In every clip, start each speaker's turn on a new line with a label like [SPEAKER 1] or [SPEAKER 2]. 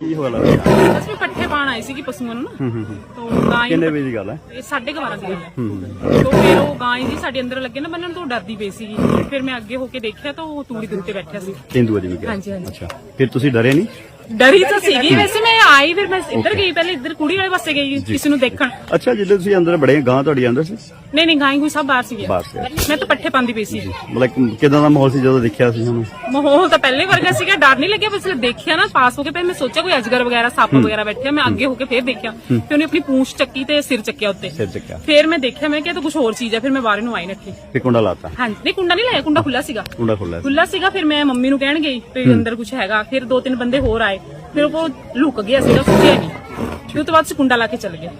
[SPEAKER 1] ਕੀ ਹੋਇਆ ਲੱਗਦਾ
[SPEAKER 2] बस मैं पट्ठे पाण आई सी पशुओं ਨੂੰ ਨਾ तो गाय
[SPEAKER 1] ਕਿੰਨੇ ਵਜੇ ਦੀ ਗੱਲ ਹੈ
[SPEAKER 2] 12:30 ਦੀ ਹੈ तो फिर ਉਹ ਗਾਂ ਜੀ ਸਾਡੇ ਅੰਦਰ ਲੱਗੇ ਨਾ ਬੰਨਣ ਤੋਂ ਡਰਦੀ ਪਈ ਸੀਗੀ ਫਿਰ ਮੈਂ ਅੱਗੇ ਹੋ ਕੇ ਦੇਖਿਆ ਤਾਂ ਉਹ ਤੂੜੀ ਦੇ ਉੱਤੇ ਬੈਠਿਆ ਸੀ
[SPEAKER 1] ਤੇਂਦੂਆ ਜੀ ਗਿਆ
[SPEAKER 2] ਹਾਂਜੀ ਹਾਂਜੀ
[SPEAKER 1] ਅੱਛਾ ਫਿਰ ਤੁਸੀਂ ਡਰੇ ਨਹੀਂ
[SPEAKER 2] ਡਰੀ ਤਾਂ ਸੀਗੀ ਵੈਸੇ ਮੈਂ ਆਈ ਫਿਰ ਮੈਂ ਇੱਧਰ ਗਈ ਪਹਿਲੇ ਇੱਧਰ ਕੁੜੀ ਵਾਲੇ ਪਾਸੇ ਗਈ ਕਿਸੇ ਨੂੰ ਦੇਖਣ
[SPEAKER 1] ਅੱਛਾ ਜਦੋਂ ਤੁਸੀਂ ਅੰਦਰ ਬੜੇ ਗਾਂ ਤੁਹਾਡੀ ਅੰਦਰ ਸੀ
[SPEAKER 2] ਨਹੀਂ ਗਾਂ ਕੋਈ ਸਭ ਬਾਹਰ ਸੀਗੇ
[SPEAKER 1] ਬਾਹਰ ਸੀ।
[SPEAKER 2] ਮੈਂ ਤਾਂ ਪੱਠੇ ਪਾਉਂਦੀ ਪਈ ਸੀ
[SPEAKER 1] ਮਤਲਬ ਕਿਦਾਂ ਦਾ ਮਾਹੌਲ ਸੀ ਜਦੋਂ ਦੇਖਿਆ ਸੀ ਉਹਨੂੰ
[SPEAKER 2] ਮਾਹੌਲ ਤਾਂ ਪਹਿਲੇ ਵਰਗਾ ਸੀਗਾ ਡਰ ਨਹੀਂ ਲੱਗਿਆ ਬਸ ਦੇਖਿਆ ਨਾ ਪਾਸ ਹੋ ਕੇ ਫਿਰ ਮੈਂ ਸੋਚਿਆ ਕੋਈ ਅਜਗਰ ਵਗੈਰਾ ਸੱਪ ਵਗੈਰਾ ਬੈਠਿਆ ਮੈਂ ਅੱਗੇ ਹੋ ਕੇ ਫਿਰ ਦੇਖਿਆ ਫਿਰ ਉਹਨੇ ਆਪਣੀ ਪੂੰਛ ਚੱਕੀ ਤੇ ਸਿਰ ਚੱਕਿਆ ਉੱਤੇ
[SPEAKER 1] ਸਿਰ ਚੱਕਿਆ
[SPEAKER 2] ਫਿਰ ਮੈਂ ਦੇਖਿਆ ਮੈਂ ਕਿਹਾ ਤਾਂ ਕੁਝ ਹੋਰ ਚੀਜ਼ ਹੈ ਫਿਰ ਮੈਂ ਬਾਹਰ ਨੂੰ ਆਈ ਨੱਠੀ
[SPEAKER 1] ਫਿਰ ਕੁੰਡਾ ਲਾਤਾ
[SPEAKER 2] ਹਾਂਜੀ ਨਹੀਂ ਕੁੰਡਾ ਨਹੀਂ ਲਾਇਆ ਕੁੰਡਾ ਖੁੱਲਾ ਸੀਗਾ
[SPEAKER 1] ਕੁੰਡਾ ਖੁੱਲਾ
[SPEAKER 2] ਖੁੱਲਾ ਸੀਗਾ ਫਿਰ ਮੈਂ ਮੰਮੀ ਨੂੰ ਕਹਿਣ ਗਈ ਤੇ ਅੰਦਰ ਕੁਝ ਹੈਗਾ ਫਿਰ 2-3 ਬੰਦੇ ਹੋਰ ਆਏ ਫਿਰ ਉਹ ਲੁਕ ਗਿਆ ਸੀਗਾ ਸੁੱਤਿਆ ਨਹੀਂ ਫਿਰ ਉਹ ਤੋਂ ਬਾਅਦ ਕੁੰਡਾ ਲਾ ਕੇ ਚਲ ਗਿਆ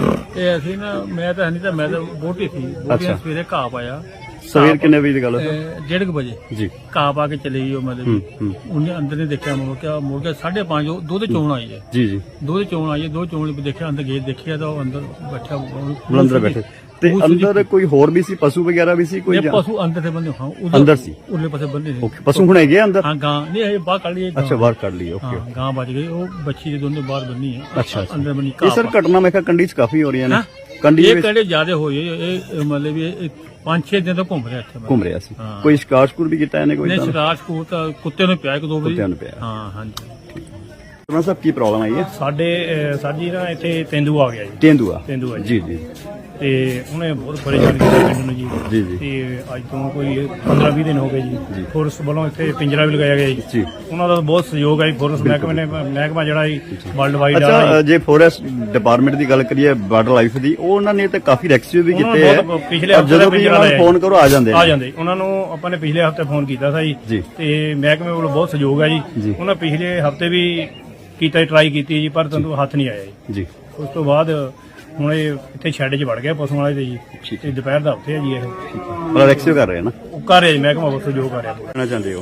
[SPEAKER 3] ਇਹ ਅਸੀਂ ਨਾ ਮੈਂ ਤਾਂ ਬੋਟੀ ਸੀ ਬੋਟੀਆਂ ਸਵੇਰੇ ਘਾਹ ਪਾਇਆ
[SPEAKER 1] ਸਵੇਰ ਕਿੰਨੇ ਵਜੇ ਦੀ ਗੱਲ ਹੈ
[SPEAKER 3] 1:30 ਵਜੇ
[SPEAKER 1] ਜੀ
[SPEAKER 3] ਘਾਹ ਪਾ ਕੇ ਚਲੇ ਗਈ ਉਹ ਮਤਲਬ ਉਹਨੇ ਅੰਦਰ ਨੇ ਦੇਖਿਆ ਮੁੜ ਕੇ 5:30 ਦੁੱਧ ਚੋਣ ਆਈ ਹੈ
[SPEAKER 1] ਜੀ ਜੀ
[SPEAKER 3] ਦੁੱਧ ਚੋਣ ਆਈ ਹੈ ਦੋ ਚੋਣ ਵੀ ਦੇਖਿਆ ਅੰਦਰ ਗੇਟ ਦੇਖਿਆ ਤਾਂ ਉਹ ਅੰਦਰ ਬੈਠਾ
[SPEAKER 1] ਅੰਦਰ ਬੈਠੇ ਤੇ ਅੰਦਰ ਕੋਈ ਹੋਰ ਵੀ ਸੀ ਪਸ਼ੂ ਵਗੈਰਾ ਵੀ ਸੀ ਕੋਈ
[SPEAKER 3] ਪਸ਼ੂ ਅੰਦਰ ਦੇ ਬੰਦੇ ਹਾਂ
[SPEAKER 1] ਅੰਦਰ ਸੀ
[SPEAKER 3] ਉਰਲੇ ਪਾਸੇ ਬੰਦੇ ਨੇ
[SPEAKER 1] ਓਕੇ ਪਸ਼ੂ ਹੁਣ ਹੈਗੇ ਅੰਦਰ
[SPEAKER 3] ਹਾਂ ਗਾਂ ਨਹੀਂ ਇਹ ਬਾਹਰ ਕੱਢ ਲਈ
[SPEAKER 1] ਅੱਛਾ ਬਾਹਰ ਕੱਢ ਲਈ ਓਕੇ
[SPEAKER 3] ਗਾਂ ਬਚ ਗਈ ਉਹ ਬੱਚੀ ਦੇ ਦੋਨੋਂ ਬਾਹਰ ਬੰਨੀ ਹੈ
[SPEAKER 1] ਅੱਛਾ
[SPEAKER 3] ਅੰਦਰ ਬੰਨੀ
[SPEAKER 1] ਇਹ ਸਰ ਘਟਨਾ ਮੈਂ ਕਿਹਾ ਕੰਡੀ ਚ ਕਾਫੀ ਹੋ ਰਹੀਆਂ ਨੇ ਕੰਡੀ
[SPEAKER 3] ਇਹ
[SPEAKER 1] ਵਿੱਚ
[SPEAKER 3] ਕਹਿੰਦੇ ਜ਼ਿਆਦਾ ਹੋਈ ਇਹ ਮਤਲਬ ਇਹ 5-6 ਦਿਨ ਤੋਂ ਘੁੰਮ ਰਿਹਾ ਇੱਥੇ
[SPEAKER 1] ਘੁੰਮ ਰਿਹਾ ਸੀ ਕੋਈ ਸ਼ਿਕਾਰ ਸ਼ਕੂਰ ਵੀ ਕੀਤਾ ਇਹਨੇ ਕੋਈ
[SPEAKER 3] ਨਹੀਂ ਸ਼ਿਕਾਰ ਸਕੂਰ ਤਾਂ ਕੁੱਤੇ ਨੂੰ ਪਿਆ ਇੱਕ ਦੋ ਵਾਰੀ
[SPEAKER 1] ਕੁੱਤਿਆਂ ਨੂੰ ਪਿਆ
[SPEAKER 3] ਹਾਂ ਹਾਂਜੀ
[SPEAKER 1] ਤੁਹਾਨੂੰ ਸਭ ਕੀ ਪ੍ਰੋਬਲਮ ਆਈ ਹੈ
[SPEAKER 3] ਸਾਡੇ ਸਾਡੀ ਨਾ ਇੱਥੇ ਤੇਂਦੂ ਆ ਗਿਆ ਜੀ
[SPEAKER 1] ਤੇਂਦੂਆ ਜੀ ਜੀ
[SPEAKER 3] ਤੇ ਉਹਨੇ ਬਹੁਤ ਪਰੇਸ਼ਾਨ ਕੀਤਾ ਪਿੰਡ ਨੂੰ ਜੀ
[SPEAKER 1] ਜੀ ਜੀ
[SPEAKER 3] ਤੇ ਅੱਜ ਤੋਂ ਕੋਈ 15-20 ਦਿਨ ਹੋ ਗਏ ਜੀ ਫੋਰਸ ਵੱਲੋਂ ਇੱਥੇ ਪਿੰਜਰਾ ਵੀ ਲਗਾਇਆ ਗਿਆ
[SPEAKER 1] ਜੀ
[SPEAKER 3] ਉਹਨਾਂ ਦਾ ਬਹੁਤ ਸਹਿਯੋਗ ਹੈ ਫੋਰਸ ਮਹਿਕਮਾ ਜਿਹੜਾ ਵਰਲਡ ਵਾਈਡ
[SPEAKER 1] ਅੱਛਾ ਜੇ ਫੋਰੈਸਟ ਡਿਪਾਰਟਮੈਂਟ ਦੀ ਗੱਲ ਕਰੀਏ ਵਾਈਲਡ ਲਾਈਫ ਦੀ ਉਹਨਾਂ ਨੇ ਤਾਂ ਕਾਫੀ ਰੈਸਕਿਊ ਵੀ ਕੀਤੇ ਹੈ
[SPEAKER 3] ਪਿਛਲੇ ਹਫ਼ਤੇ
[SPEAKER 1] ਜਦੋਂ ਵੀ ਉਹਨਾਂ ਨੂੰ ਫੋਨ ਕਰੋ ਆ ਜਾਂਦੇ
[SPEAKER 3] ਉਹਨਾਂ ਨੂੰ ਆਪਾਂ ਨੇ ਪਿਛਲੇ ਹਫ਼ਤੇ ਫੋਨ ਕੀਤਾ ਸੀ
[SPEAKER 1] ਜੀ
[SPEAKER 3] ਤੇ ਮਹਿਕਮੇ ਵੱਲੋਂ ਬਹੁਤ ਸਹਿਯੋਗ ਹੈ ਜੀ ਉਹਨਾਂ ਪਿਛਲੇ ਹਫ਼ਤੇ ਵੀ ਕੀਤਾ ਟਰਾਈ ਕੀਤੀ ਜੀ ਪਰ ਤੁਹਾਨੂੰ ਹੱਥ ਨਹੀਂ ਆਇਆ
[SPEAKER 1] ਜੀ
[SPEAKER 3] ਉਸ ਤੋਂ ਬਾਅਦ ਹੁਣ ਇਹ ਇੱਥੇ ਸ਼ੈੱਡ 'ਚ ਵੜ ਗਿਆ ਪਸ਼ੂਆਂ ਵਾਲੇ ਤੇ ਜੀ ਤੇ ਦੁਪਹਿਰ ਦਾ ਉੱਥੇ ਹੈ ਜੀ ਇਹ
[SPEAKER 1] ਮਤਲਬ ਰੈਸਕਿਊ ਕਰ ਰਹੇ ਨਾ
[SPEAKER 3] ਉਹ ਕਰ ਰਿਹਾ ਜੀ ਮਹਿਕਮਾ ਵੱਲੋਂ ਸਹਿਯੋਗ ਕਰ ਰਿਹਾ
[SPEAKER 1] ਕਹਿਣਾ ਚਾਹੁੰਦੇ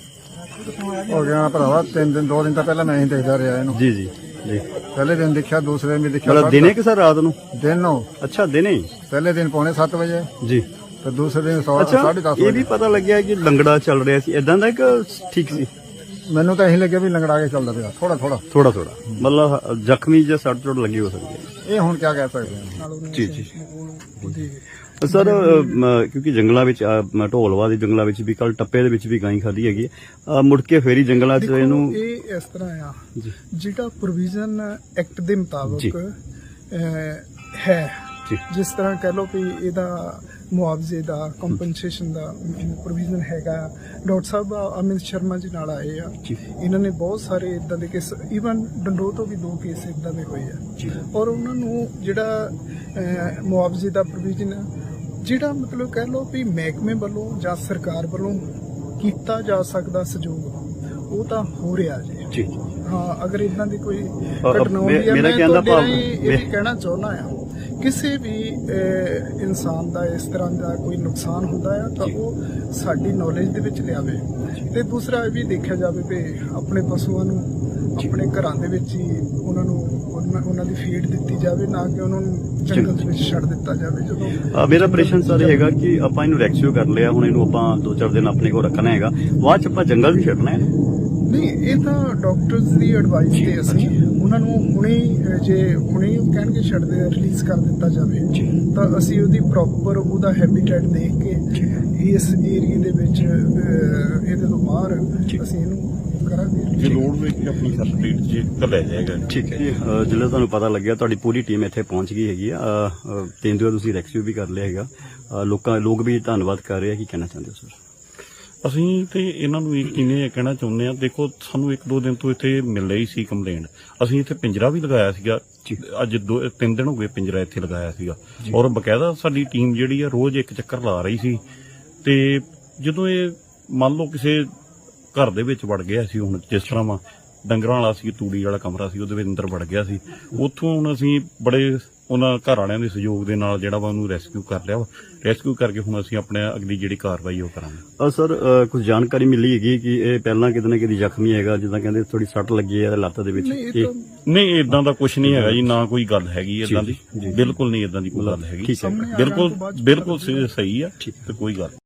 [SPEAKER 4] ਹੋ ਗਿਆ ਭਰਾਵਾ 3 ਦਿਨ 2 ਦਿਨ ਤਾਂ ਪਹਿਲਾਂ ਮੈਂ ਹੀ ਦੇਖਦਾ ਰਿਹਾ ਇਹਨੂੰ
[SPEAKER 1] ਜੀ ਜੀ ਜੀ
[SPEAKER 4] ਪਹਿਲੇ ਦਿਨ ਦੇਖਿਆ ਦੂਸਰੇ ਦਿਨ ਵੀ ਦੇਖਿਆ
[SPEAKER 1] ਮਤਲਬ ਦਿਨੇ ਕਿ ਸਰ ਰਾਤ ਨੂੰ
[SPEAKER 4] ਦਿਨ ਨੂੰ
[SPEAKER 1] ਅੱਛਾ ਦਿਨੇ
[SPEAKER 4] ਪਹਿਲੇ ਦਿਨ 7:45 ਵਜੇ
[SPEAKER 1] ਜੀ
[SPEAKER 4] ਤੇ ਦੂਸਰੇ ਦਿਨ
[SPEAKER 1] ਅੱਛਾ
[SPEAKER 4] 10:30
[SPEAKER 1] ਇਹ ਵੀ ਪਤਾ ਲੱਗਿਆ ਕਿ ਲੰਗੜਾ ਚੱਲ ਰਿਹਾ ਸੀ ਇਦਾਂ ਦਾ ਕਿ ਠੀਕ ਸੀ
[SPEAKER 4] ਮੈਨੂੰ ਤਾਂ ਇਹੀ ਲੱਗਿਆ ਵੀ ਲੰਗੜਾ ਕੇ ਚੱਲਦਾ ਪਿਆ ਥੋੜਾ
[SPEAKER 1] ਮਤਲਬ ਜ਼ਖਮੀ ਜਾਂ ਸੱਟ ਚੋਟ ਲੱਗੀ ਹੋ ਸਕਦੀ ਹੈ
[SPEAKER 4] ਇਹ ਹੁਣ ਕੀ ਕਹਿ ਸਕਦੇ ਹਾਂ
[SPEAKER 1] ਜੀ ਜੀ ਸਰ ਕਿਉਂਕਿ ਜੰਗਲਾਂ ਵਿੱਚ ਢੋਲਵਾ ਦੇ ਜੰਗਲਾਂ ਵਿੱਚ ਵੀ ਕੱਲ ਟੱਪੇ ਦੇ ਵਿੱਚ ਵੀ ਗਾਂ ਖਾਧੀ ਹੈਗੀ ਮੁੜ ਕੇ ਫੇਰੀ ਜੰਗਲਾਂ 'ਚ ਇਹਨੂੰ
[SPEAKER 5] ਇਹ ਇਸ ਤਰ੍ਹਾਂ ਆ ਜਿਹੜਾ ਪ੍ਰੋਵੀਜ਼ਨ ਐਕਟ ਦੇ ਮੁਤਾਬਕ ਹੈ ਜਿਸ ਤਰ੍ਹਾਂ ਕਹਿ ਲਓ ਕਿ ਇਹਦਾ ਮੁਆਵਜ਼ੇ ਦਾ ਕੰਪਨਸੇਸ਼ਨ ਦਾ ਪ੍ਰੋਵੀਜ਼ਨ ਹੈਗਾ ਡਾਕਟਰ ਸਾਹਿਬ ਅਮਿਤ ਸ਼ਰਮਾ ਜੀ ਨਾਲ ਆਏ ਆ ਇਹਨਾਂ ਨੇ ਬਹੁਤ ਸਾਰੇ ਇਦਾਂ ਦੇ ਕੇਸ ਈਵਨ ਡੰਡੋ ਤੋਂ ਵੀ 2 ਕੇਸ ਇਦਾਂ ਦੇ ਹੋਏ ਆ ਔਰ ਉਹਨਾਂ ਨੂੰ ਜਿਹੜਾ ਮੁਆਵਜ਼ੇ ਦਾ ਪ੍ਰੋਵੀਜ਼ਨ ਜਿਹੜਾ ਮਤਲਬ ਕਹਿ ਲਓ ਵੀ ਮਹਿਕਮੇ ਵੱਲੋਂ ਜਾਂ ਸਰਕਾਰ ਵੱਲੋਂ ਕੀਤਾ ਜਾ ਸਕਦਾ ਸਹਿਯੋਗ ਉਹ ਤਾਂ ਹੋ ਰਿਹਾ ਜੀ ਹਾਂ ਅਗਰ ਇਦਾਂ ਦੀ ਕੋਈ ਘਟਨਾ ਹੁੰਦੀ ਹੈ ਮੈਂ ਇਹ ਕਹਿਣਾ ਚਾਹੁੰਦਾ ਆ ਕਿਸੇ ਵੀ ਇਨਸਾਨ ਦਾ ਇਸ ਤਰ੍ਹਾਂ ਦਾ ਕੋਈ ਨੁਕਸਾਨ ਹੁੰਦਾ ਹੈ ਤਾਂ ਉਹ ਸਾਡੀ ਨੌਲੇਜ ਦੇ ਵਿੱਚ ਲਿਆਵੇ ਤੇ ਦੂਸਰਾ ਇਹ ਵੀ ਦੇਖਿਆ ਜਾਵੇ ਕਿ ਆਪਣੇ ਪਸ਼ੂਆਂ ਨੂੰ ਆਪਣੇ ਘਰਾਂ ਦੇ ਵਿੱਚ ਹੀ ਉਹਨਾਂ ਦੀ ਫੀਡ ਦਿੱਤੀ ਜਾਵੇ ਨਾ ਕਿ ਉਹਨਾਂ ਨੂੰ ਜੰਗਲ ਦੇ ਵਿੱਚ ਛੱਡ ਦਿੱਤਾ ਜਾਵੇ ਜਦੋਂ
[SPEAKER 1] ਮੇਰਾ ਪ੍ਰਸ਼ਨ ਸਰ ਹੈਗਾ ਕਿ ਆਪਾਂ ਇਹਨੂੰ ਰੈਸਕਿਊ ਕਰ ਲਿਆ ਹੁਣ ਇਹਨੂੰ ਆਪਾਂ 2-4 ਦਿਨ ਆਪਣੇ ਕੋਲ ਰੱਖਣਾ ਹੈਗਾ ਬਾਅਦ ਚ ਆਪਾਂ ਜੰਗਲ ਵੀ ਛੱਡਣਾ ਹੈ
[SPEAKER 5] ਨਹੀਂ ਇਹ ਤਾਂ ਡਾਕਟਰਸ ਦੀ ਐਡਵਾਈਸ ਤੇ ਅਸੀਂ ਉਹਨਾਂ ਨੂੰ ਹੁਣੇ ਕਹਿਣਗੇ ਛੱਡਦੇ ਰਿਲੀਜ਼ ਕਰ ਦਿੱਤਾ ਜਾਵੇ ਤਾਂ ਅਸੀਂ ਉਹਦੀ ਪ੍ਰੋਪਰ ਉਹਦਾ ਹੈਬਿਟੇਟ ਦੇਖ ਕੇ ਇਸ ਏਰੀਆ ਦੇ ਵਿੱਚ ਇਹਦੇ ਤੋਂ ਬਾਹਰ ਅਸੀਂ ਇਹਨੂੰ ਕਰਾਂਗੇ
[SPEAKER 6] ਜੇ ਲੋੜ ਹੋਵੇ ਕਿ ਆਪਣੀ ਸਰਟੀਫਿਕੇਟ ਜੇ ਲੈ ਜਾਏਗਾ
[SPEAKER 1] ਠੀਕ ਹੈ ਜੀ ਜਦੋਂ ਤੁਹਾਨੂੰ ਪਤਾ ਲੱਗਿਆ ਤੁਹਾਡੀ ਪੂਰੀ ਟੀਮ ਇੱਥੇ ਪਹੁੰਚ ਗਈ ਹੈਗੀ ਆ ਤੇਂਦੂਆ ਤੁਸੀਂ ਰੈਸਕਿਊ ਵੀ ਕਰ ਲਿਆ ਹੈਗਾ ਲੋਕ ਵੀ ਧੰਨਵਾਦ ਕਰ ਰਹੇ ਆ ਕੀ ਕਹਿਣਾ ਚਾਹੁੰਦੇ ਹੋ ਸਰ
[SPEAKER 6] ਅਸੀਂ ਤੇ ਇਹਨਾਂ ਨੂੰ ਕਿਵੇਂ ਕਹਿਣਾ ਚਾਹੁੰਦੇ ਆ ਦੇਖੋ ਸਾਨੂੰ 1-2 ਦਿਨ ਤੋਂ ਇੱਥੇ ਮਿਲ ਰਹੀ ਸੀ ਕੰਪਲੇਂਟ ਅਸੀਂ ਇੱਥੇ ਪਿੰਜਰਾ ਵੀ ਲਗਾਇਆ ਸੀਗਾ ਅੱਜ 2-3 ਦਿਨ ਹੋ ਗਏ ਪਿੰਜਰਾ ਇੱਥੇ ਲਗਾਇਆ ਸੀਗਾ ਔਰ ਬਕਾਇਦਾ ਸਾਡੀ ਟੀਮ ਜਿਹੜੀ ਆ ਰੋਜ਼ ਇੱਕ ਚੱਕਰ ਲਾ ਰਹੀ ਸੀ ਤੇ ਜਦੋਂ ਇਹ ਮੰਨ ਲਓ ਕਿਸੇ ਘਰ ਦੇ ਵਿੱਚ ਵੜ ਗਿਆ ਸੀ ਹੁਣ ਜਿਸ ਤਰ੍ਹਾਂ ਵਾ ਡੰਗਰਾਂ ਵਾਲਾ ਸੀ ਤੂੜੀ ਵਾਲਾ ਕਮਰਾ ਸੀ ਉਹਦੇ ਵਿੱਚ ਅੰਦਰ ਵੜ ਗਿਆ ਸੀ ਉੱਥੋਂ ਹੁਣ ਅਸੀਂ ਬੜੇ ਉਹਨਾਂ ਘਰ ਵਾਲਿਆਂ ਦੇ ਸਹਿਯੋਗ ਦੇ ਨਾਲ ਜਿਹੜਾ ਵਾ ਉਹਨੂੰ ਰੈਸਕਿਊ ਕਰ ਲਿਆ ਰੈਸਕਿਊ ਕਰਕੇ ਹੁਣ ਅਸੀਂ ਆਪਣੇ ਅਗਲੀ ਜਿਹੜੀ ਕਾਰਵਾਈ ਉਹ ਕਰਾਂਗੇ
[SPEAKER 1] ਸਰ ਕੁਝ ਜਾਣਕਾਰੀ ਮਿਲੀ ਹੈਗੀ ਕਿ ਇਹ ਪਹਿਲਾਂ ਕਿਤੇ ਨਾ ਕਿਤੇ ਜ਼ਖਮੀ ਹੈਗਾ ਜਿੱਦਾਂ ਕਹਿੰਦੇ ਥੋੜੀ ਸੱਟ ਲੱਗੀ ਹੈ ਲੱਤ ਦੇ ਵਿੱਚ
[SPEAKER 6] ਨਹੀਂ ਇਦਾਂ ਦਾ ਕੁਝ ਨਹੀਂ ਹੈਗਾ ਜੀ ਨਾ ਕੋਈ ਗੱਲ ਹੈਗੀ ਇਦਾਂ ਦੀ ਬਿਲਕੁਲ ਨਹੀਂ ਇਦਾਂ ਦੀ ਕੋਈ ਗੱਲ ਹੈਗੀ ਬਿਲਕੁਲ ਸਹੀ ਆ ਤੇ ਕੋਈ ਗੱਲ